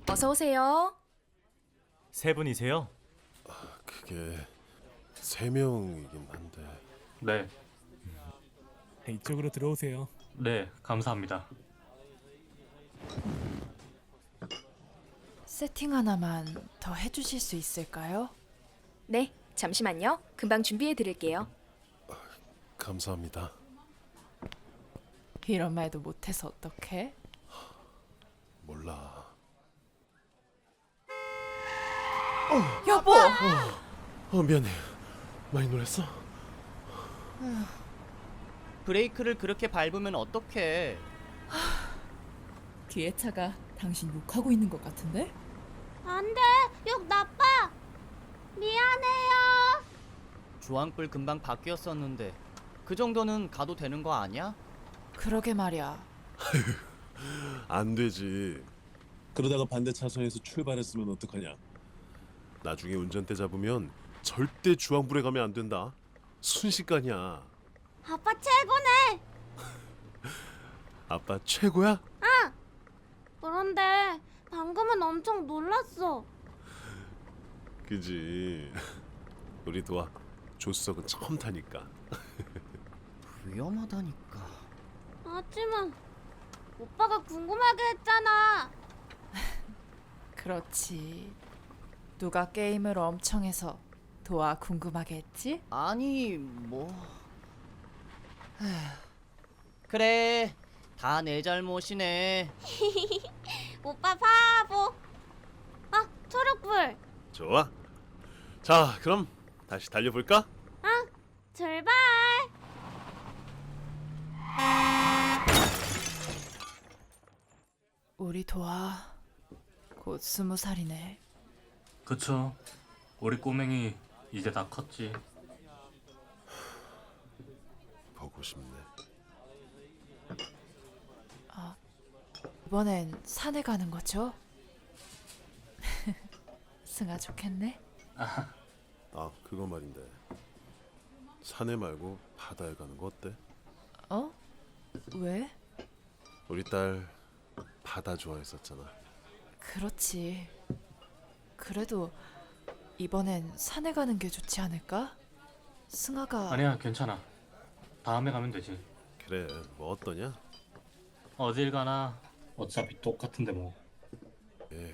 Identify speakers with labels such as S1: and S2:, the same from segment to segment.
S1: 어서 오세요.
S2: 세 분이세요?
S3: 그게 3명이긴 한데.
S2: 네,
S4: 이쪽으로 들어오세요.
S2: 네, 감사합니다.
S5: 세팅 하나만 더 해주실 수 있을까요?
S1: 네, 잠시만요. 금방 준비해 드릴게요.
S3: 감사합니다.
S5: 이런 말도 못해서 어떡해?
S3: 몰라.
S5: 여보!
S3: 미안해. 많이 놀랐어?
S6: 브레이크를 그렇게 밟으면 어떡해.
S7: 뒤에 차가 당신 욕하고 있는 것 같은데?
S8: 안 돼! 욕 나빠! 미안해요!
S6: 주황불 금방 바뀌었었는데 그 정도는 가도 되는 거 아니야?
S5: 그러게 말이야.
S3: 안 되지.
S9: 그러다가 반대 차선에서 출발했으면 어떡하냐?
S3: 나중에 운전대 잡으면 절대 주황불에 가면 안 된다. 순식간이야.
S8: 아빠 최고네!
S3: 아빠 최고야?
S8: 그런데 방금은 엄청 놀랐어.
S3: 그지. 우리 도와 조석은 처음 타니까.
S6: 위험하다니까.
S8: 하지만 오빠가 궁금하게 했잖아.
S5: 그렇지. 누가 게임을 엄청 해서 도아 궁금하게 했지?
S6: 아니 뭐... 에휴. 그래, 다 내 잘못이네.
S8: 오빠 바보. 아, 초록불.
S3: 좋아. 자, 그럼 다시 달려볼까?
S8: 출발.
S5: 우리 도아 곧 20살이네.
S2: 그쵸. 우리 꼬맹이 이제 다 컸지.
S3: 보고 싶네.
S5: 이번엔 산에 가는 거죠? 승아 좋겠네.
S3: 아, 그거 말인데. 산에 말고 바다에 가는 거 어때?
S5: 어? 왜?
S3: 우리 딸 바다 좋아했었잖아.
S5: 그렇지. 그래도 이번엔 산에 가는 게 좋지 않을까? 승아가
S2: 아니야, 괜찮아. 다음에 가면 되지.
S3: 그래, 뭐 어떠냐?
S2: 어딜 가나 어차피 똑같은데 뭐.
S3: 예.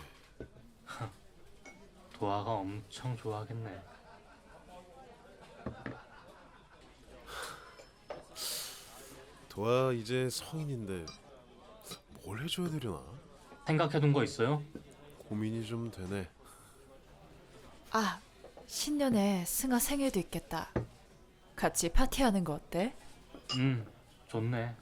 S2: 도아가 엄청 좋아하겠네.
S3: 도아 이제 성인인데 뭘 해줘야 되려나?
S2: 생각해둔 거 있어요?
S3: 고민이 좀 되네.
S5: 아, 신년에 승아 생일도 있겠다. 같이 파티하는 거 어때?
S2: 좋네.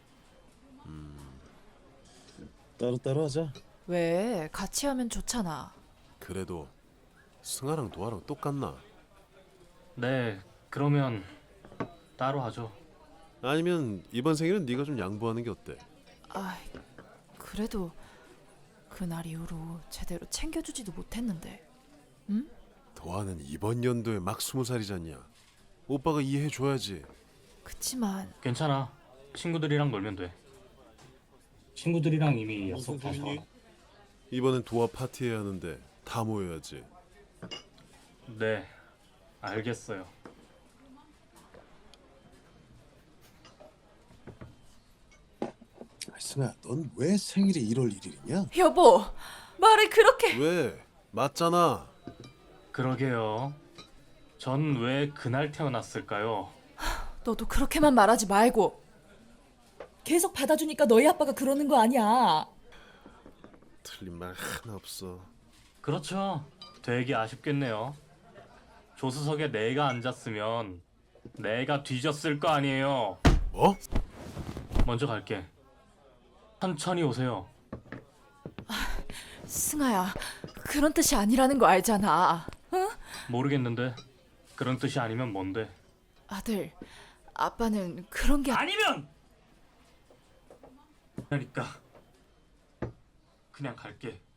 S9: 따로따로 하자.
S5: 왜? 같이 하면 좋잖아.
S3: 그래도 승아랑 도아랑 똑같나?
S2: 네, 그러면 따로 하죠.
S3: 아니면 이번 생일은 네가 좀 양보하는 게 어때?
S5: 아, 그래도 그날 이후로 제대로 챙겨주지도 못했는데.
S3: 도아는 이번 연도에 막 20살이잖냐. 오빠가 이해해줘야지.
S5: 그치만
S2: 괜찮아. 친구들이랑 놀면 돼. 친구들이랑 이미 약속 다
S9: 무슨
S2: 잡아.
S3: 이번엔 도아 파티해야 하는데 다 모여야지.
S2: 네, 알겠어요.
S9: 승아, 넌 왜 생일이 1월 1일이냐?
S5: 여보, 말을 그렇게.
S3: 왜? 맞잖아.
S2: 그러게요. 전 왜 그날 태어났을까요?
S5: 너도 그렇게만 말하지 말고.
S7: 계속 받아주니까 너희 아빠가 그러는 거 아니야.
S3: 틀린 말 하나 없어.
S2: 그렇죠. 되게 아쉽겠네요. 조수석에 내가 앉았으면 내가 뒤졌을 거 아니에요.
S3: 뭐?
S2: 먼저 갈게. 천천히 오세요.
S5: 승아야, 그런 뜻이 아니라는 거 알잖아.
S2: 모르겠는데 그런 뜻이 아니면 뭔데?
S5: 아들, 아빠는 그런 게
S2: 아니면! 그러니까 그냥 갈게.